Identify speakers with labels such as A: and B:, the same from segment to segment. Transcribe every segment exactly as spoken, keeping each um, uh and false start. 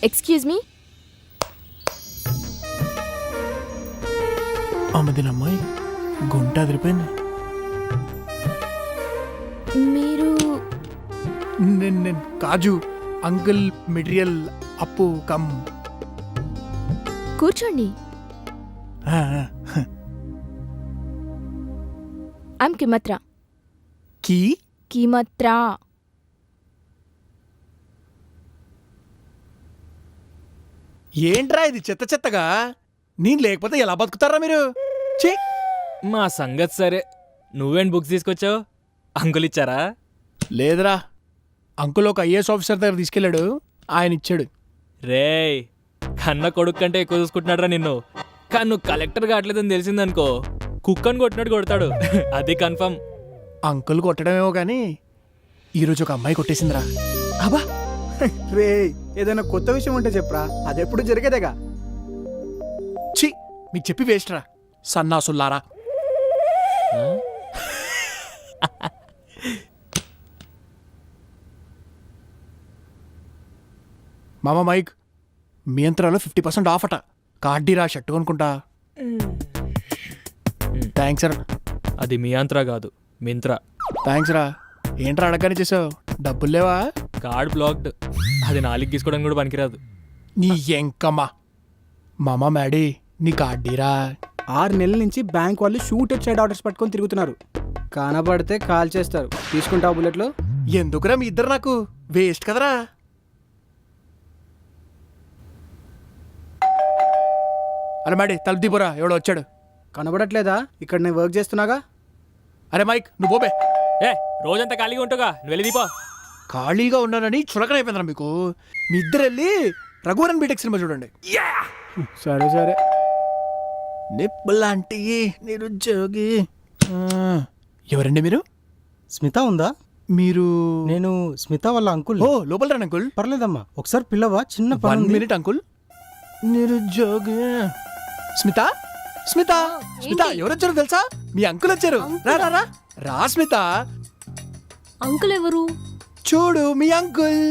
A: Excuse me.
B: అమ్మదినమ్మాయి గుంట అదిరిపోయింది.
A: మీరు
B: నేను నేను కాజు అంకుల్ మెటీరియల్ అప్పు కమ్.
A: కూర్చోండి.
B: ఆ, ఆ.
A: ఐమ్ కిమత్రా.
B: కీ
A: కిమత్రా.
B: ఏంట్రా ఇది చెత్త చెత్తగా? నేను లేకపోతే ఎలా బతుకుతారా మీరు? ఛీ!
C: మా సంగతి సరే, నువ్వేం బుక్స్ తీసుకొచ్చావు? అంకుల్ ఇచ్చారా?
B: లేదురా, అంకుల్ ఒక ఐఏఎస్ ఆఫీసర్ దగ్గర తీసుకెళ్ళాడు, ఆయన ఇచ్చాడు.
C: రేయ్, కన్న కొడుకు కంటే ఎక్కువ చూసుకుంటున్నాడురా నిన్ను. కానీ నువ్వు కలెక్టర్ కావట్లేదని తెలిసిందనుకో, కుక్కని కొట్టినట్టు కొడతాడు. అది కన్ఫర్మ్.
B: అంకుల్ కొట్టడమేమో కానీ ఈరోజు ఒక అమ్మాయి కొట్టేసిందిరా.
D: అబ్బా రే, ఏదైనా కొత్త విషయం ఉంటే చెప్పరా, అదెప్పుడు జరిగేదేగా.
B: ఛీ, మీకు చెప్పి వేస్ట్ రా సన్నాసుల్లారా.
C: ఆ?
B: మామ మైక్, మీ యంత్రాలో ఫిఫ్టీ పర్సెంట్ ఆఫ్ అట. కార్డీరా షర్ట్ కొనుక్కుంటా. థ్యాంక్స్ రా.
C: అది మీ అంతరా కాదు, మింత్రా.
B: థ్యాంక్స్ రా. ఏంట్రా అడగని చేసావు? డబ్బులు లేవా?
C: Card blocked. అది నాలుగు తీసుకోవడానికి కూడా పనికిరాదు.
B: నీ ఎంకమ్మా. మామ మ్యాడీ, నీ కార్డీరా.
D: ఆరు నెలల నుంచి బ్యాంక్ వాళ్ళు షూట్ సైడ్ ఆర్డర్స్ పట్టుకొని తిరుగుతున్నారు. కనబడితే కాల్ చేస్తారు. తీసుకుంటావు బుల్లెట్లు?
B: ఎందుకురా మీ ఇద్దరు నాకు వేస్ట్ కదరా. అరే మ్యాడీ, తలుపు దీపురా, ఎవడో వచ్చాడు.
D: కనబడట్లేదా? ఇక్కడ నేను వర్క్ చేస్తున్నాగా.
B: అరే మైక్, నువ్వు పోబే.
C: ఏ, రోజంతా ఖాళీగా ఉంటుగా, నువ్వు వెళ్ళి దీపా.
B: ఖాళీగా ఉన్నానని చులకనైపోయిందిరా మీకు. మీ ఇద్దరు వెళ్ళి రఘువరన్ బీటెక్ సినిమా చూడండి.
D: సరే సరే.
B: నిప్పులాంటి నిరుద్యోగి. ఆ, ఎవరండి మీరు?
E: స్మిత ఉందా?
B: మీరు
E: నేను స్మిత వాళ్ళ అంకుల్.
B: ఓ, లోపల రండి అంకుల్.
E: పర్లేదమ్మా, ఒకసారి పిల్లవా, చిన్న
B: వన్
E: పని ఉంది.
B: Minute uncle. నిరుద్యోగి. స్మిత స్మిత స్మిత, ఎవరు వచ్చారు తెలుసా? మీ అంకుల్ వచ్చారు. రా రా రా రా స్మిత.
F: అంకుల్ ఎవరు?
B: చూడు మీ అంకుల్.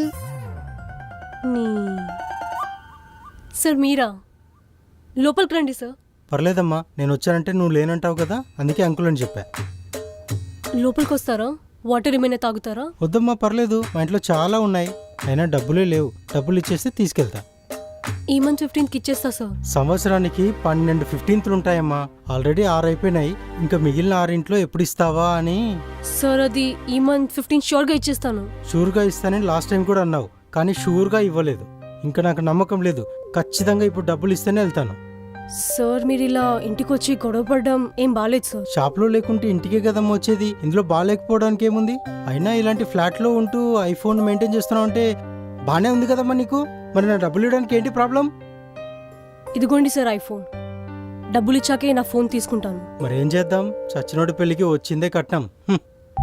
F: నీ- సార్ మీరా? లోపలికి రండి సార్.
E: పర్లేదమ్మా, నేను వచ్చానంటే నువ్వు లేనంటావు కదా, అందుకే అంకుల్ అని చెప్పా.
F: లోపలికి వస్తారా? వాటర్ ఏమైనా తాగుతారా?
E: వద్దమ్మా, పర్లేదు, మా ఇంట్లో చాలా ఉన్నాయి, అయినా డబ్బులే లేవు. డబ్బులు ఇచ్చేస్తే తీసుకెళ్తా.
F: ఈ మంత్ ఫిఫ్టీన్త్కి ఇచ్చేస్తా సార్.
E: సంవత్సరానికి పన్నెండు ఫిఫ్టీన్త్లు ఉంటాయమ్మా. ఆల్రెడీ ఆరు అయిపోయినాయి, ఇంకా మిగిలిన ఆరింట్లో ఎప్పుడు ఇస్తావా అని.
F: సార్ అది ఈ మంత్ ఫిఫ్టీన్ షూర్గా ఇచ్చేస్తాను.
E: షూర్గా ఇస్తానని లాస్ట్ టైం కూడా అన్నావు, కానీ షూర్గా ఇవ్వలేదు. ఇంకా నాకు నమ్మకం లేదు. ఖచ్చితంగా ఇప్పుడు డబ్బులు ఇస్తేనే వెళ్తాను.
F: సార్ మీరు ఇలా ఇంటికి వచ్చి గొడవ పడడం ఏం బాగాలేదు సార్.
E: షాప్లో లేకుంటే ఇంటికే కదమ్మా వచ్చేది, ఇందులో బాగాలేకపోవడానికి ఏముంది? అయినా ఇలాంటి ఫ్లాట్లో ఉంటూ ఐఫోన్ మెయింటైన్ చేస్తున్నావు అంటే బాగానే ఉంది కదమ్మా నీకు. మరి నా డబ్బులు ఇవ్వడానికి ఏంటి ప్రాబ్లం?
F: ఇదిగోండి సార్ ఐఫోన్. డబ్బులు ఇచ్చాకే నా ఫోన్ తీసుకుంటాను.
E: మరి ఏం చేద్దాం, చచ్చినోడి పెళ్లికి వచ్చిందే కట్నం. హ్మ్.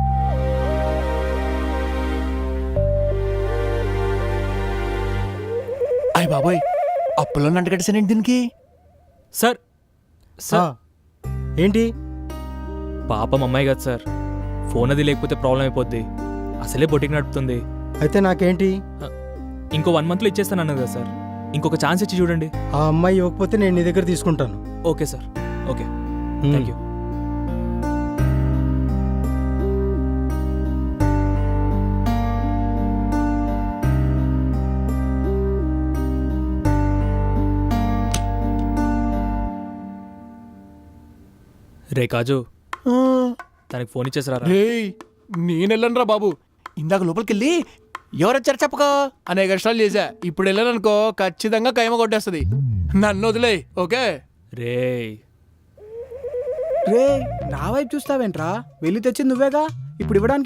B: అయ్య బాబోయ్, అప్పులో నంటగట్టేసానండి దీనికి.
C: సార్
E: ఆ,
C: సార్
E: ఏంటి?
C: పాపం అమ్మాయి కదా సార్, ఫోన్ అది లేకపోతే ప్రాబ్లం అయిపోద్ది. అసలే బొటికి నడుపుతుంది.
E: అయితే నాకేంటి?
C: ఇంకో వన్ మంత్లో ఇచ్చేస్తాను అన్నది కదా సార్, ఇంకొక ఛాన్స్ ఇచ్చి చూడండి.
E: ఆ అమ్మాయి ఇవ్వకపోతే నేను నీ దగ్గర తీసుకుంటాను.
C: Okay sir, okay,
E: hmm.
C: Thank you. రే కాజు,
B: ఆ,
C: తనకి ఫోన్ ఇచ్చేసారా?
B: రేయ్, నేను వెళ్ళను రా బాబు. ఇందాక లోపలికి వెళ్ళి ఎవరు వచ్చారు చెప్పకో అనేక కష్టాలు చేశా. ఇప్పుడు వెళ్ళాననుకో ఖచ్చితంగా కైమ కొట్టేస్తుంది. నన్ను వదిలే, ఓకే?
C: రే
D: రే, నా వైపు చూస్తావేంట్రా? వెళ్ళి తెచ్చింది నువ్వేగా, ఇప్పుడు ఇవ్వడానికి